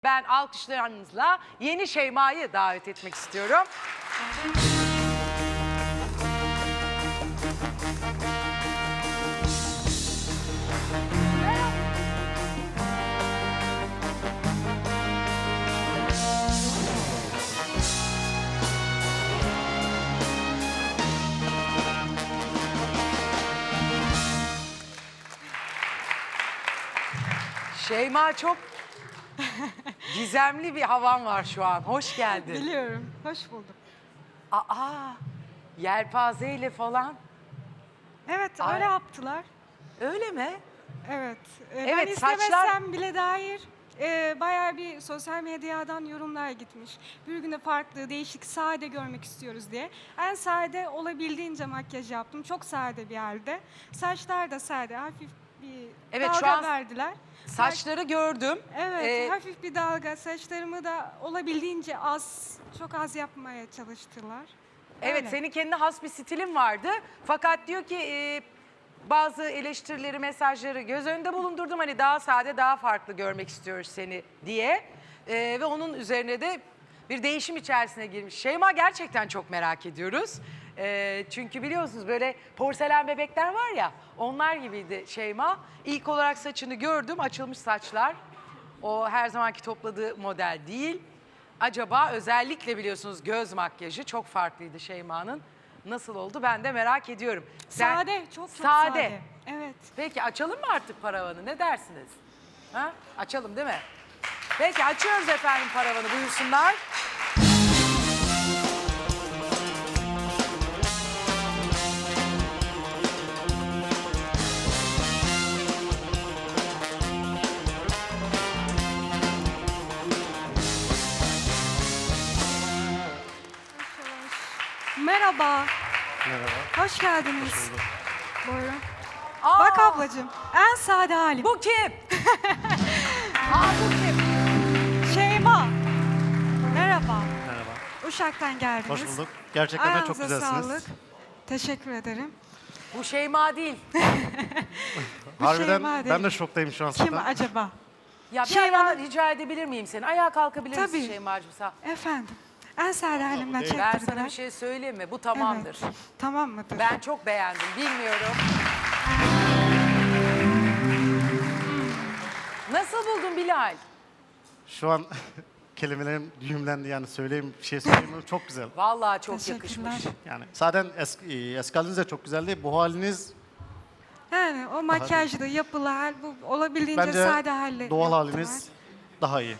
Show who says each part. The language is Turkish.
Speaker 1: Ben alkışlarınızla yeni Şeyma'yı davet etmek istiyorum. Şeyma, çok gizemli bir havan var şu an. Hoş geldin.
Speaker 2: Biliyorum. Hoş bulduk.
Speaker 1: Aa, yelpazeyle falan.
Speaker 2: Evet,
Speaker 1: Ay.
Speaker 2: öyle yaptılar.
Speaker 1: Öyle mi?
Speaker 2: Evet.
Speaker 1: Evet,
Speaker 2: Ben
Speaker 1: saçlar-
Speaker 2: istemesem bile dair bayağı bir sosyal medyadan yorumlar gitmiş. Bir günde farklı, değişik, sade görmek istiyoruz diye. En sade olabildiğince makyaj yaptım. Çok sade bir halde. Saçlar da sade, hafif bir
Speaker 1: Evet, şu
Speaker 2: dalga
Speaker 1: an
Speaker 2: verdiler.
Speaker 1: Saçları gördüm.
Speaker 2: Evet, hafif bir dalga. Saçlarımı da olabildiğince az, çok az yapmaya çalıştılar.
Speaker 1: Evet,
Speaker 2: Öyle.
Speaker 1: senin kendine has bir stilin vardı. Fakat diyor ki bazı eleştirileri, mesajları göz önünde bulundurdum. Hani daha sade, daha farklı görmek istiyoruz seni diye. Ve onun üzerine de bir değişim içerisine girmiş. Şeyma, gerçekten çok merak ediyoruz. Çünkü biliyorsunuz böyle porselen bebekler var ya, onlar gibiydi Şeyma. İlk olarak saçını gördüm, açılmış saçlar. O her zamanki topladığı model değil. Acaba özellikle biliyorsunuz göz makyajı çok farklıydı Şeyma'nın. Nasıl oldu ben de merak ediyorum.
Speaker 2: Sade, çok sade. Evet.
Speaker 1: Peki açalım mı artık paravanı, ne dersiniz? Ha? Açalım değil mi? Peki açıyoruz efendim paravanı, buyursunlar.
Speaker 2: Merhaba.
Speaker 3: Merhaba.
Speaker 2: Hoş geldiniz. Buyurun.
Speaker 1: Aa,
Speaker 2: Bak ablacığım, en sade halim.
Speaker 1: bu kim? Aa, bu kim?
Speaker 2: Şeyma. Merhaba.
Speaker 3: Merhaba.
Speaker 2: Uşak'tan geldiniz.
Speaker 3: Hoş bulduk. Gerçekten de çok
Speaker 2: Ayağınıza
Speaker 3: güzelsiniz.
Speaker 2: sağlık. Teşekkür ederim.
Speaker 1: Bu Şeyma değil.
Speaker 3: Harbiden
Speaker 2: Şeyma
Speaker 3: ben
Speaker 2: değil.
Speaker 3: de şoktayım şu an
Speaker 2: Kim
Speaker 3: zaten.
Speaker 2: acaba?
Speaker 1: Ya bir
Speaker 2: Şeyma-
Speaker 1: ayağa rica edebilir miyim seni? Ayağa kalkabilir misin
Speaker 2: Tabii.
Speaker 1: Şeyma'cığım sen?
Speaker 2: Efendim. En sade halimden
Speaker 1: Ben
Speaker 2: çektirdiler.
Speaker 1: sana bir şey söyleyeyim mi? Bu tamamdır.
Speaker 2: Evet. Tamam mıdır?
Speaker 1: Ben çok beğendim, bilmiyorum. Nasıl buldun Bilal?
Speaker 3: Şu an kelimelerim düğümlendi, yani söyleyeyim bir şey söyleyeyim. Çok güzel.
Speaker 1: Vallahi çok
Speaker 2: Teşekkürler.
Speaker 1: yakışmış.
Speaker 3: Yani zaten eski haliniz de çok güzeldi. Bu haliniz
Speaker 2: Yani o makyajlı, yapılı hal, bu olabildiğince
Speaker 3: bence
Speaker 2: sade halle
Speaker 3: doğal
Speaker 2: yaptılar.
Speaker 3: haliniz daha iyi.